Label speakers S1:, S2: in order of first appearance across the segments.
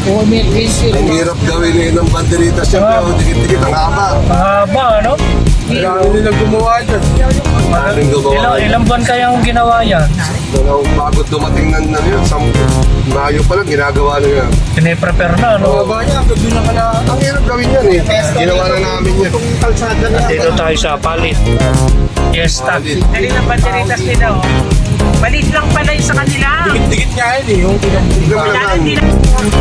S1: Ang hirap gawin eh ng banderita siya, pero dikit-dikit ang haba.
S2: Mahaba, ano?
S1: Kailangan nilang gumawa dyan. Maraming gumawa.
S2: Ilang buwan kayang ginawa yan?
S1: Bago dumating na yun, Mayo pa lang ginagawa na yan.
S2: Pine-prepare na, no?
S1: Baba niya, doon na ka na. Ang hirap gawin yan eh. Ginawa na namin yan.
S2: Dito tayo sa palit. Yes, tag.
S3: Dali ng banderitas nila, oh. Malit lang pala yung sa kanila.
S1: Dikit nga yun eh. Yung
S3: Kailangan
S1: pinag-ilaman.
S3: nila.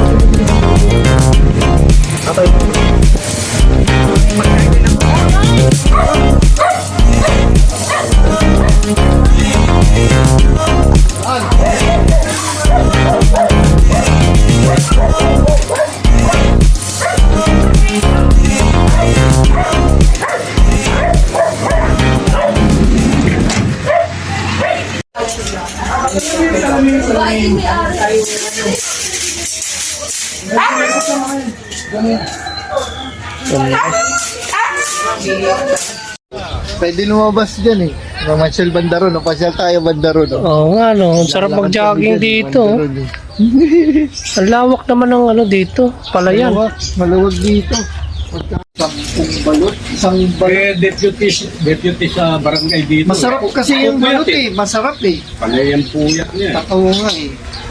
S4: Pwede lumabas dyan eh. Mamasyal Bandaro, napasyal tayo Bandaro. No?
S2: Oo nga, no? Ang sarap mag-jogging dito. Ang lawak naman ng ano dito. Palayan.
S4: Maluwag dito. Sampung balot, isang balot.
S5: Deputy sa barangay dito.
S4: Masarap kasi yung balot eh. Masarap eh.
S5: Panay ang puyat niya.
S4: Totoo nga eh.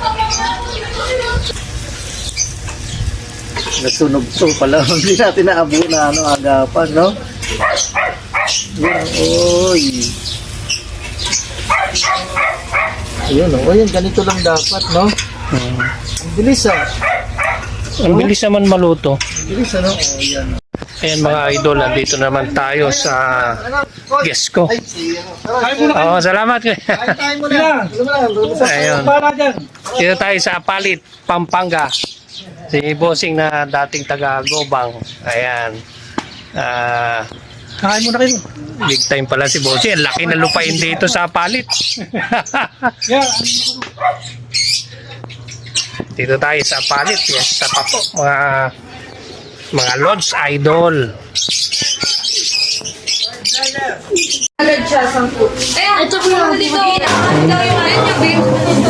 S4: Nasunog to pala. Hindi natin naabo na ano, agapan, no? Yan, oy. Ayun, oh. Ayun, ganito lang dapat, no? Ang bilis ah.
S2: Ang bilis naman maluto.
S4: Ang bilis ano? Oh, yan.
S2: Ayan mga idol, andito naman tayo sa guest ko.
S4: Ay, ano?
S2: Oo, salamat.
S4: Kain tayo muna.
S2: Ayun. Dito tayo sa Palit, Pampanga. Si Bossing na dating taga Gobang. Ayan.
S4: Kain muna kayo.
S2: Big time pala si Bossing. Ang laki na lupain dito sa Palit. Dito tayo sa Palit. Yes, sa Papo. Mga Lodge Idol.
S6: Agad siya, 10. Eh, ito po yung dito. Ito yung big.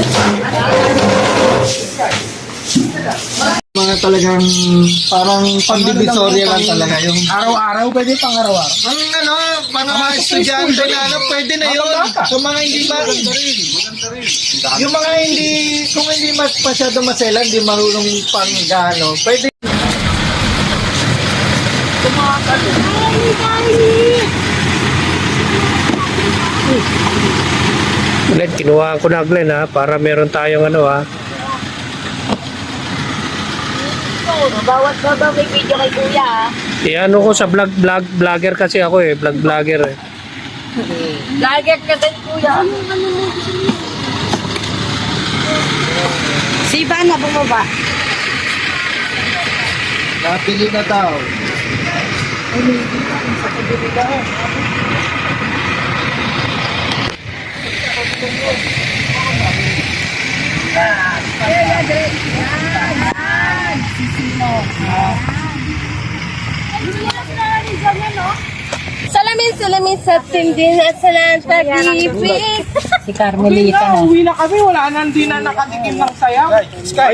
S4: Mga talagang parang pandivisoria lang talaga yung
S5: Araw-araw, pwede pang araw-araw.
S4: ang ano, mga estudyante na ano, pwede na yun. Yung mga hindi yung mga hindi, kung hindi masyado maselan, hindi marunong pang gaano, pwede.
S2: Glenn, kinuha ko na Glenn ha, para meron tayong ano ha.
S6: Bawat baba may video kay kuya.
S2: Ano ko sa vlogger kasi ako eh, vlogger eh.
S6: Vlogger ka din kuya. Si Ivan na bumaba.
S4: Napili na tao.
S6: Salamin sa tindin at sa lang pag-ibig.
S3: Si Carmelita na. Uwi na kami, wala na, hindi na nakatikim ng sayaw.
S5: Sky!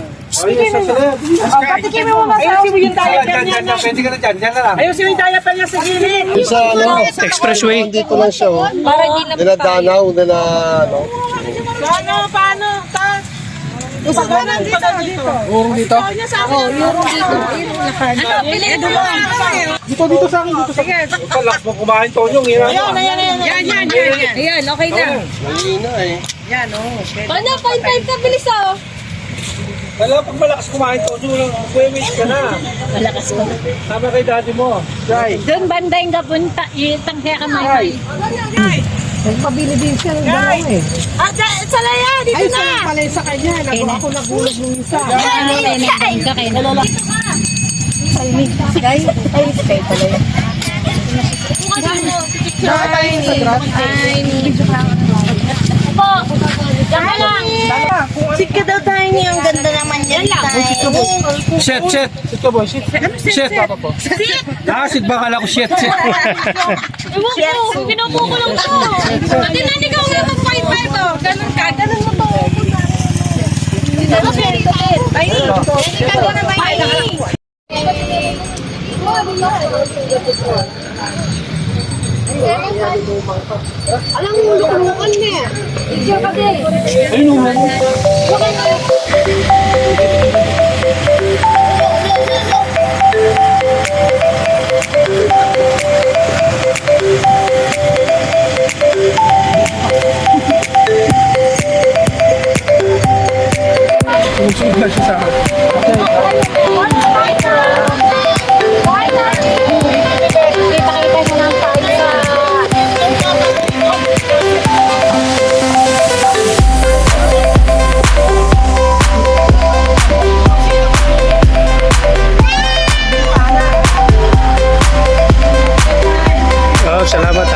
S3: Patikim mo mga sayaw. Ayusin mo yung diaper niya.
S5: Pwede ka na dyan, dyan na lang.
S3: Ayusin mo yung diaper niya sa gilid.
S1: Sa ano,
S2: Expressway.
S1: dito lang siya oh.
S6: Para di na
S1: Dinadanaw, ano.
S3: Paano? Pagkanan dito.
S5: Urong dito?
S6: yung dito. Ano, pili mo lang.
S5: Dito sa akin, dito sa akin. Palak mo kumain, Tonyong.
S3: Yan, okay na.
S1: Mahina eh.
S6: Paano, 0.5 ka bilis oh.
S5: Wala, pag malakas kumain, Tonyong, kuya-wait ka na.
S6: Malakas ko.
S5: Tama kay daddy mo. Sky!
S6: Doon banda yung kapunta, itang kaya kamay.
S3: Pabili din siya ng dalawa eh.
S6: Salaya, dito na.
S3: Ay, pala sa kanya. Ako nagulog ng isa.
S6: Sika daw tayo niya. Ang ganda naman yan.
S5: Shit! Ito boy, shit. Shit, papa po. Sit ba kala ko shit?
S6: Ewan ko, pinupukulong ko. Pati na ikaw nga mag-point 5 oh. Ganun ka, ganun mo to. Alam mo, lukulukan niya. Picture ka din.
S2: Oh, salamat